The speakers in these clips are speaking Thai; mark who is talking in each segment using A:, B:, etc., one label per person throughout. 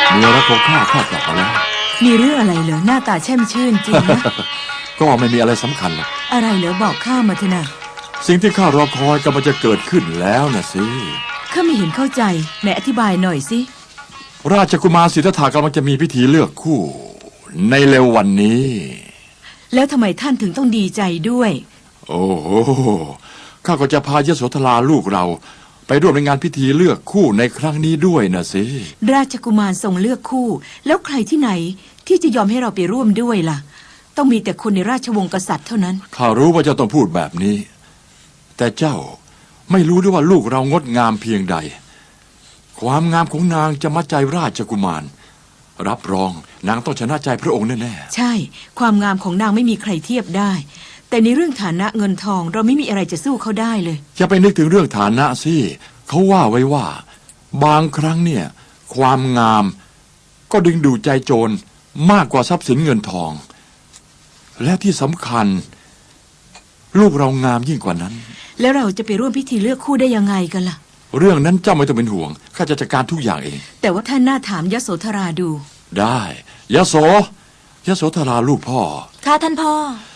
A: เมียรักของข้ากลับมาแล้ว
B: มีเรื่องอะไรเหรอหน้าตาแช่มชื่นจริงนะ
A: ก็ไม่มีอะไรสำคัญหรอก
B: อะไรเหรอบอกข้ามาเถอะนะ
A: สิ่งที่ข้ารอคอยกำลังจะเกิดขึ้นแล้วนะสิ
B: ข้าไม่เห็นเข้าใจไหนอธิบายหน่อยสิ
A: ราชกุมารสิทธัตถะกำลังจะมีพิธีเลือกคู่ในเร็ววันนี้
B: แล้วทำไมท่านถึงต้องดีใจด้วย
A: โอ้โหข้าก็จะพายโสธราลูกเราไปร่วมในงานพิธีเลือกคู่ในครั้งนี้ด้วยนะสิ
B: ราชกุมารทรงเลือกคู่แล้วใครที่ไหนที่จะยอมให้เราไปร่วมด้วยล่ะต้องมีแต่คนในราชวงศ์กษัตริย์เท่านั้น
A: ข้ารู้ว่าเจ้าต้องพูดแบบนี้แต่เจ้าไม่รู้ด้วยว่าลูกเรางดงามเพียงใดความงามของนางจะมัดใจราชกุมารรับรองนางต้องชนะใจพระองค์แน่
B: ๆใช่ความงามของนางไม่มีใครเทียบได้แต่ในเรื่องฐานะเงินทองเราไม่มีอะไรจะสู้เขาได้เลย
A: อย่าไปนึกถึงเรื่องฐานะสิเขาว่าไว้ว่าบางครั้งเนี่ยความงามก็ดึงดูดใจโจรมากกว่าทรัพย์สินเงินทองและที่สำคัญลูกเรางามยิ่งกว่านั้น
B: แล้วเราจะไปร่วมพิธีเลือกคู่ได้ยังไงกันล่ะ
A: เรื่องนั้นเจ้าไม่ต้องเป็นห่วงข้าจะจัดการทุกอย่างเอง
B: แต่ว่าท่านน่าถามยโสธราดู
A: ได้ยโสธราลูกพ่อ
C: ค่ะท่านพ่อ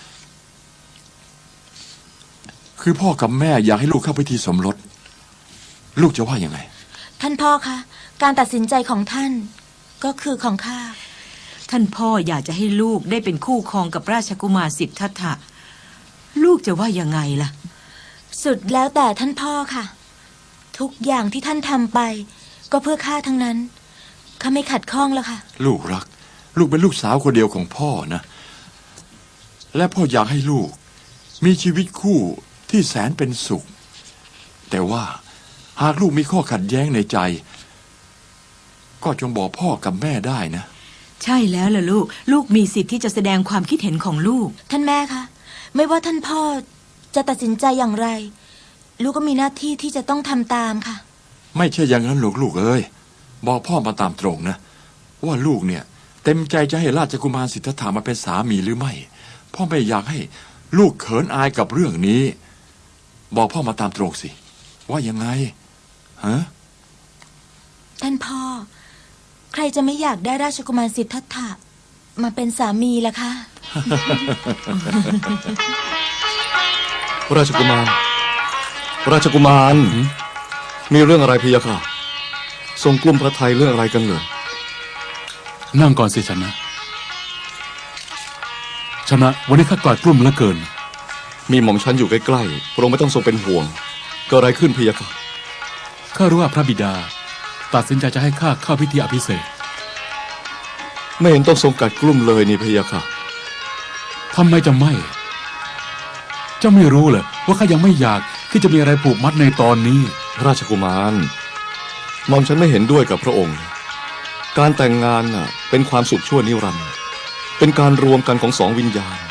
A: คือพ่อกับแม่อยากให้ลูกเข้าพิธีสมรสลูกจะว่ายังไง
C: ท่านพ่อคะการตัดสินใจของท่านก็คือของข้า
B: ท่านพ่ออยากจะให้ลูกได้เป็นคู่ครองกับราชกุมารสิทธัตถะลูกจะว่ายังไงล่ะ
C: สุดแล้วแต่ท่านพ่อค่ะทุกอย่างที่ท่านทำไปก็เพื่อข้าทั้งนั้นข้าไม่ขัดข้องแล้วค่ะ
A: ลูกรักลูกเป็นลูกสาวคนเดียวของพ่อนะและพ่ออยากให้ลูกมีชีวิตคู่ที่แสนเป็นสุขแต่ว่าหากลูกมีข้อขัดแย้งในใจก็จงบอกพ่อกับแม่ได้นะ
B: ใช่แล้วล่ะลูกมีสิทธิ์ที่จะแสดงความคิดเห็นของลูก
C: ท่านแม่คะไม่ว่าท่านพ่อจะตัดสินใจอย่างไรลูกก็มีหน้าที่ที่จะต้องทำตามค่ะ
A: ไม่ใช่อย่างนั้นลูกเอ้ยบอกพ่อมาตามตรงนะว่าลูกเนี่ยเต็มใจจะให้ราชกุมารสิทธัตถะมาเป็นสามีหรือไม่พ่อไม่อยากให้ลูกเขินอายกับเรื่องนี้บอกพ่อมาตามตรงสิว่ายังไงฮะ
C: ท่านพ่อใครจะไม่อยากได้ราชกุมารสิทธัตถะมาเป็นสามีล่ะคะ
D: ราชกุมารมีเรื่องอะไรพี่ยะค่ะทรงกลุ้มพระทัยเรื่องอะไรกันเหรอ
E: นั่งก่อนสิชนะวันนี้ข้ากลาดกลุ้มเหลือเกิน
D: มีหม่อมฉันอยู่ใกล้ๆพระองค์ไม่ต้องทรงเป็นห่วงเกิดอะไรขึ้นพี่ยะค่ะ
E: ข้ารู้ว่าพระบิดาตัดสินใจจะให้ข้าเข้าพิธีอภิเษก
D: ไม่เห็นต้องทรงกัดกลุ้มเลยนี่พี่ยะค่ะ
E: ทำไมจะไม่เจ้าไม่รู้เหรอว่าข้ายังไม่อยากที่จะมีอะไรผูกมัดในตอนนี้
D: ราชกุมารหม่อมฉันไม่เห็นด้วยกับพระองค์การแต่งงานน่ะเป็นความสุขชั่วนิรันดร์เป็นการรวมกันของสองวิญญาณ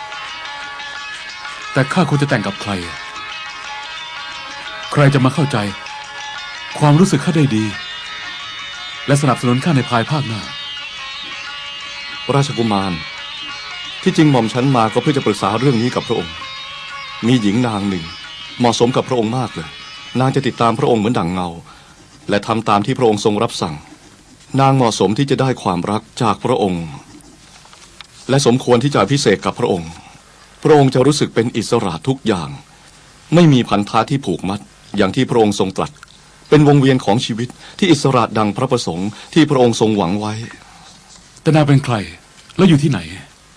E: แต่ข้าควรจะแต่งกับใครจะมาเข้าใจความรู้สึกข้าได้ดีและสนับสนุนข้าในภายภาคหน้า
D: ราชกุมารที่จริงหม่อมฉันมาก็เพื่อจะปรึกษาเรื่องนี้กับพระองค์มีหญิงนางหนึ่งเหมาะสมกับพระองค์มากเลยนางจะติดตามพระองค์เหมือนดั่งเงาและทำตามที่พระองค์ทรงรับสั่งนางเหมาะสมที่จะได้ความรักจากพระองค์และสมควรที่จะอภิเษกกับพระองค์พระองค์จะรู้สึกเป็นอิสระทุกอย่างไม่มีพันธะที่ผูกมัดอย่างที่พระองค์ทรงตรัสเป็นวงเวียนของชีวิตที่อิสระดังพระประสงค์ที่พระองค์ทรงหวังไว้
E: แต่นางเป็นใครแล้วอยู่ที่ไหน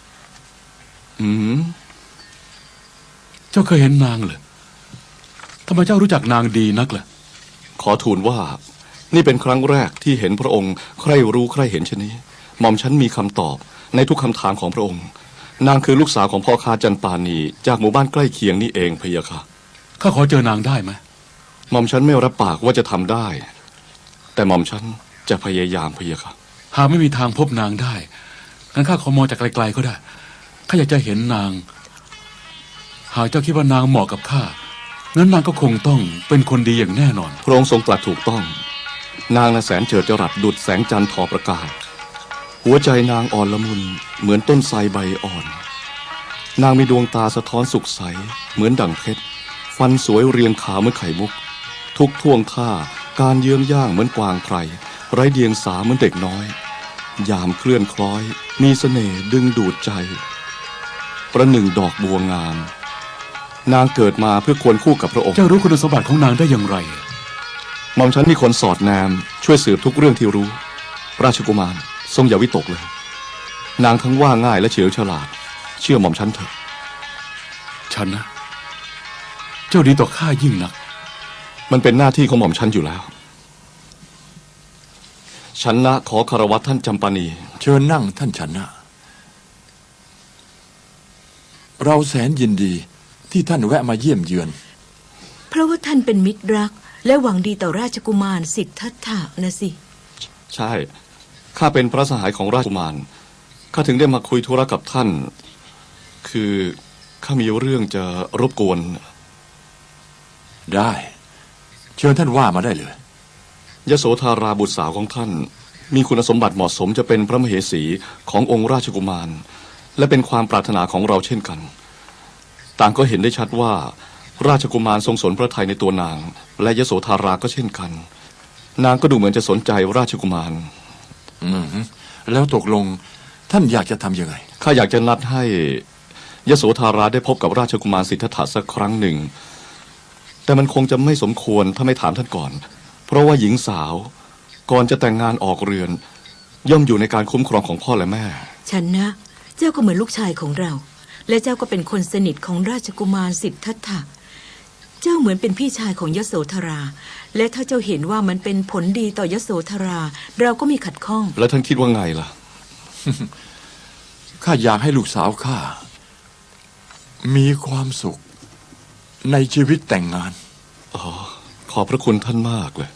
D: เจ้า
E: เคยเห็นนางเหรอทำไมเจ้ารู้จักนางดีนักล่ะ
D: ขอทูลว่านี่เป็นครั้งแรกที่เห็นพระองค์ใครรู้ใครเห็นเช่นนี้หม่อมฉันมีคำตอบในทุกคำถามของพระองค์นางคือลูกสาวของพ่อค้าจันปานีจากหมู่บ้านใกล้เคียงนี่เองพะยะค่ะ
E: ข้าขอเจอนางได้ไหม
D: หม่อมฉันไม่รับปากว่าจะทำได้แต่หม่อมฉันจะพยายามพะยะค่ะ
E: หากไม่มีทางพบนางได้งั้นข้าขอมองจากไกลๆก็ได้ข้าอยากจะเห็นนางหากเจ้าคิดว่านางเหมาะกับข้างั้นนางก็คงต้องเป็นคนดีอย่างแน่นอน
D: พระองค์ทรงตรัสถูกต้องนางน่ะแสนเจิดจรัสดุจแสงจันทร์ทอประกายหัวใจนางอ่อนละมุนเหมือนต้นไทรใบอ่อนนางมีดวงตาสะท้อนสุขใสเหมือนดั่งเพชรฟันสวยเรียงขาวเหมือนไข่มุกทุกท่วงท่าการเยื้องย่างเหมือนกวางไพรไร้เดียงสาเหมือนเด็กน้อยยามเคลื่อนคล้อยมีเสน่ห์ดึงดูดใจประหนึ่งดอกบัวงามนางเกิดมาเพื่อควรคู่กับพระองค์
E: เจ้ารู้คุณสมบัติของนางได้อย่างไร
D: หม่อมฉันมีคนสอดแนมช่วยสืบทุกเรื่องที่รู้ราชกุมารทรงอย่าวิตกเลยนางทั้งว่าง่ายและเฉลียวฉลาดเชื่อหม่อมฉันเถอะ
E: ฉันนะ เจ้าดีต่อข้ายิ่งนัก
D: มันเป็นหน้าที่ของหม่อมฉันอยู่แล้วฉันนะขอคารวะท่านจำปานี
A: เชิญนั่งท่านชนะเราแสนยินดีที่ท่านแวะมาเยี่ยมเยือน
B: เพราะว่าท่านเป็นมิตรรักและหวังดีต่อราชกุมารสิทธัตถะนะสิ
D: ใช่ข้าเป็นพระสหายของราชกุมารข้าถึงได้มาคุยธุระกับท่าน คือข้ามีเรื่องจะรบกวน
A: ได้ เชิญท่านว่ามาได้เลย
D: ยโสธาราบุตรสาวของท่านมีคุณสมบัติเหมาะสมจะเป็นพระมเหสีขององค์ราชกุมารและเป็นความปรารถนาของเราเช่นกันต่างก็เห็นได้ชัดว่าราชกุมารทรงสนพระทัยในตัวนางและยโสธาราก็เช่นกันนางก็ดูเหมือนจะสนใจราชกุมาร
A: แล้วตกลงท่านอยากจะทำยังไง
D: ข้าอยากจะนัดให้ยโสธาราได้พบกับราชกุมารสิทธัตถะสักครั้งหนึ่งแต่มันคงจะไม่สมควรถ้าไม่ถามท่านก่อนเพราะว่าหญิงสาวก่อนจะแต่งงานออกเรือนย่อมอยู่ในการคุ้มครองของพ่อและแม่
B: ฉันนะเจ้าก็เหมือนลูกชายของเรา และเจ้าก็เป็นคนสนิทของราชกุมารสิทธัตถะเจ้าเหมือนเป็นพี่ชายของยโสธราและถ้าเจ้าเห็นว่ามันเป็นผลดีต่อยโสธราเราก็มีขัดข้อง
D: แล้วท่านคิดว่าไงล่ะ
A: ข้าอยากให้ลูกสาวข้ามีความสุขในชีวิตแต่งงาน
D: อ๋อขอบพระคุณท่านมากเลย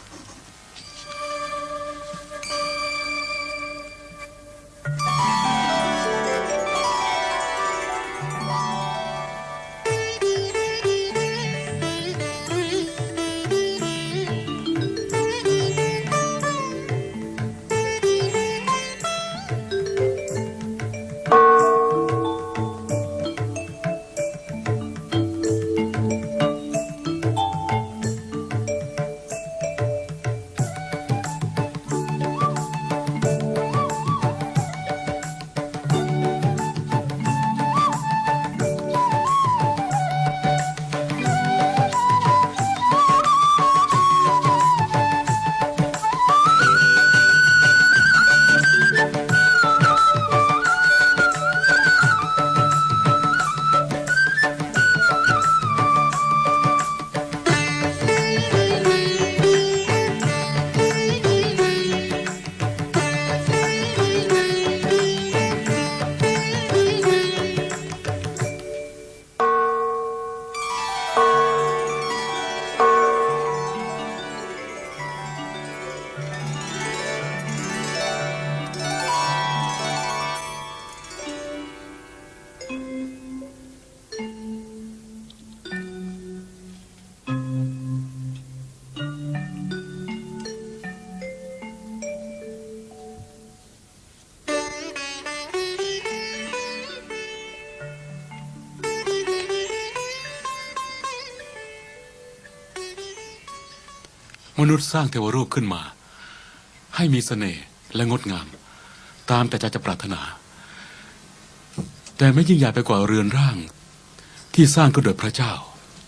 E: มนุษย์สร้างเทวรูปขึ้นมาให้มีเสน่ห์และงดงามตามแต่ใจจะปรารถนา แต่ไม่ยิ่งใหญ่ไปกว่าเรือนร่างที่สร้างขึ้นโดยพระเจ้า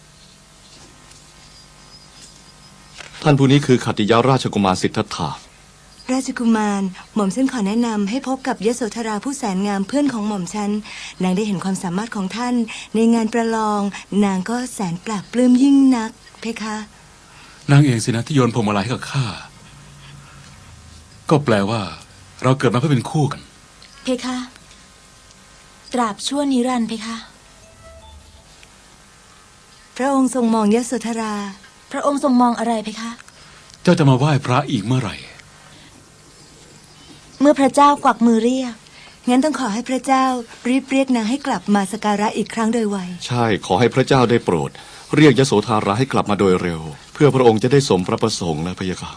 D: ท่านผู้นี้คือขัตติยราชกุมารสิทธัตถะ
F: ราชกุมารหม่อมฉันขอแนะนำให้พบกับยโสธราผู้แสนงามเพื่อนของหม่อมฉันนางได้เห็นความสามารถของท่านในงานประลองนางก็แสนปราบปลื้มยิ่งนักเพคะ
E: นางเองสินะที่โยนพวงมาลัยให้กับข้าก็แปลว่าเราเกิดมาเพื่อเป็นคู่กัน
C: เพคะตราบชั่วนิรันดร์เพคะ
F: พระองค์ทรงมองยโสธรา
C: พระองค์ทรงมองอะไรเพคะ
E: เจ้าจะมาไหว้พระอีกเมื่อไหร่
C: เมื่อพระเจ้ากวักมือเรียก
F: งั้นต้องขอให้พระเจ้ารีบเรียกนางให้กลับมาสักการะอีกครั้งโดยไว
D: ใช่ขอให้พระเจ้าได้โปรดเรียกยโสธาราให้กลับมาโดยเร็วเพื่อพระองค์จะได้สมพระประสงค์นะพะยะค่ะ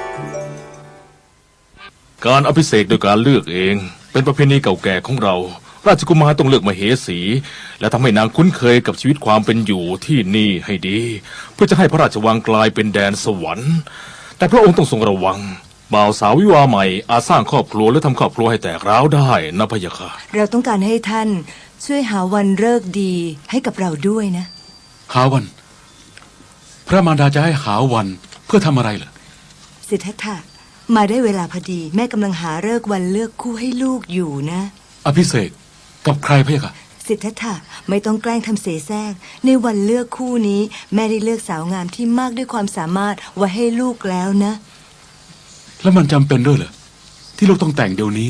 G: การอภิเษกโดยการเลือกเองเป็นประเพณีเก่าแก่ของเราราชกุมารต้องเลือกมเหสี และทำให้นางคุ้นเคยกับชีวิตความเป็นอยู่ที่นี่ให้ดี เพื่อจะให้พระราชวังกลายเป็นแดนสวรรค์แต่พระองค์ต้องทรงระวังบ่าวสาววิวาห์ใหม่อาจสร้างครอบครัวหรือทำครอบครัวให้แตกร้าวได้นะพะยะค่ะ
F: เราต้องการให้ท่านช่วยหาวันฤกษ์ดีให้กับเราด้วยนะ
E: หาวัน พระมารดาจะให้หาวันเพื่อทำอะไรเหรอ
F: สิทธัตถะมาได้เวลาพอดี แม่กำลังหาฤกษ์วันเลือกคู่ให้ลูกอยู่นะ
E: อภิเษกกับใครพะยะค่ะ
F: สิทธัตถะไม่ต้องแกล้งทำเสแสร้งในวันเลือกคู่นี้ แม่ได้เลือกสาวงามที่มากด้วยความสามารถไว้ให้ลูกแล้วนะ
E: แล้วมันจำเป็นด้วยเหรอที่ลูกต้องแต่งเดี๋ยวนี้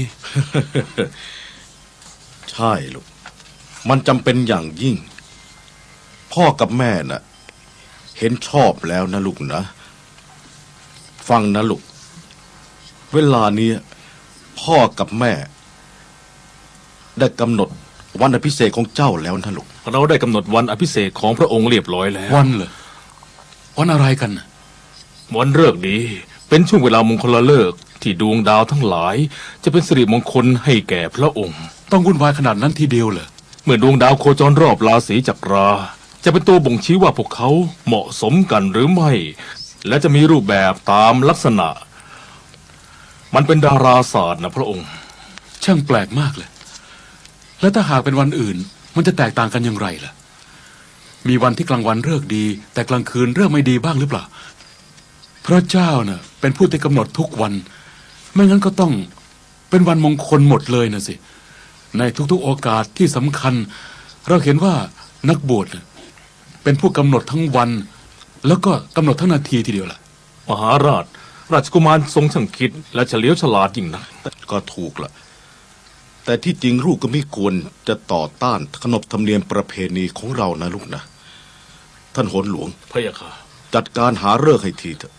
H: ใช่ลูก มันจำเป็นอย่างยิ่ง พ่อกับแม่น่ะ เห็นชอบแล้วนะลูกนะ ฟังนะลูก เวลานี้พ่อกับแม่ ได้กำหนดวันอภิเษกของเจ้าแล้วนะลูก
G: เราได้กำหนดวันอภิเษกของพระองค์เรียบร้อยแล้ว
E: วันเหรอวันอะไรกันน่ะ
G: วันฤกษ์ดีเป็นช่วงเวลามงคลฤกษ์ที่ดวงดาวทั้งหลาย จะเป็นสิริมงคลให้แก่พระองค์
E: ต้องวุ่นวายขนาดนั้นทีเดียวเหรอ
G: เมื่อดวงดาวโคจรรอบราศีจักรา จะเป็นตัวบ่งชี้ว่าพวกเขาเหมาะสมกันหรือไม่ และจะมีรูปแบบตามลักษณะ มันเป็นดาราศาสตร์นะพระองค์
E: ช่างแปลกมากเลย แล้วถ้าหากเป็นวันอื่น มันจะแตกต่างกันอย่างไรล่ะ มีวันที่กลางวันฤกษ์ดี แต่กลางคืนฤกษ์ไม่ดีบ้างหรือเปล่า พระเจ้าน่ะเป็นผู้ที่กำหนดทุกวัน ไม่งั้นก็ต้องเป็นวันมงคลหมดเลยนะสิ ในทุกๆโอกาสที่สำคัญ เราเห็นว่านักบวชน่ะเป็นผู้กำหนดทั้งวัน แล้วก็กำหนดทั้งนาทีทีเดียวล่ะ
G: มหาราช ราชกุมารทรงช่างคิดและเฉลียวฉลาดยิ่งนัก
H: ก็ถูกละแต่ที่จริงลูกก็ไม่ควรจะต่อต้านขนบธรรมเนียมประเพณีของเรานะลูกนะ ท่านโหนหลวง
G: พระยาค่ะ
H: จัดการหาฤกษ์ให้ทีเถอะ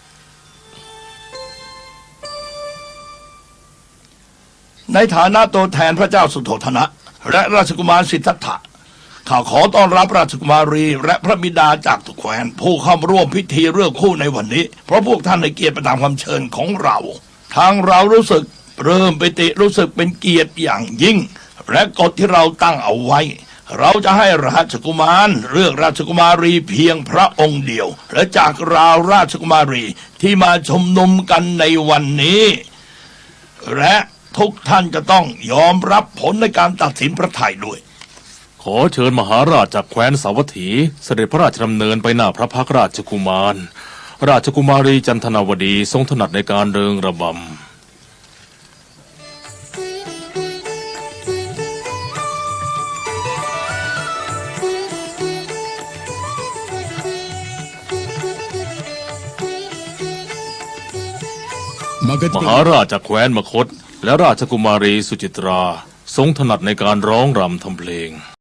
I: ในฐานะตัวแทนพระเจ้าสุโธทนะและราชกุมารสิทธัตถะข้าขอต้อนรับราชกุมารีและพระบิดาจากทุกแคว้นผู้เข้าร่วมพิธีเลือกคู่ในวันนี้ เพราะพวกท่านให้เกียรติไปตามคำเชิญของเรา ทางเรารู้สึกเริ่มปิติรู้สึกเป็นเกียรติอย่างยิ่ง และกฎที่เราตั้งเอาไว้ เราจะให้ราชกุมารเลือกราชกุมารีเพียงพระองค์เดียว และจากเราราชกุมารีที่มาชุมนุมกันในวันนี้ และทุกท่านจะต้องยอมรับผลในการตัดสินพระทัยด้วย
G: ขอเชิญมหาราชจากแคว้นสาวัตถีเสด็จพระราชดำเนินไปหน้าพระพักตร์ราชกุมาร ราชกุมารีจันทนาวดีทรงถนัดในการเริงระบำ มหาราชจากแคว้นมคธและราชกุมารีสุจิตราทรงถนัดในการร้องรำทำเพลง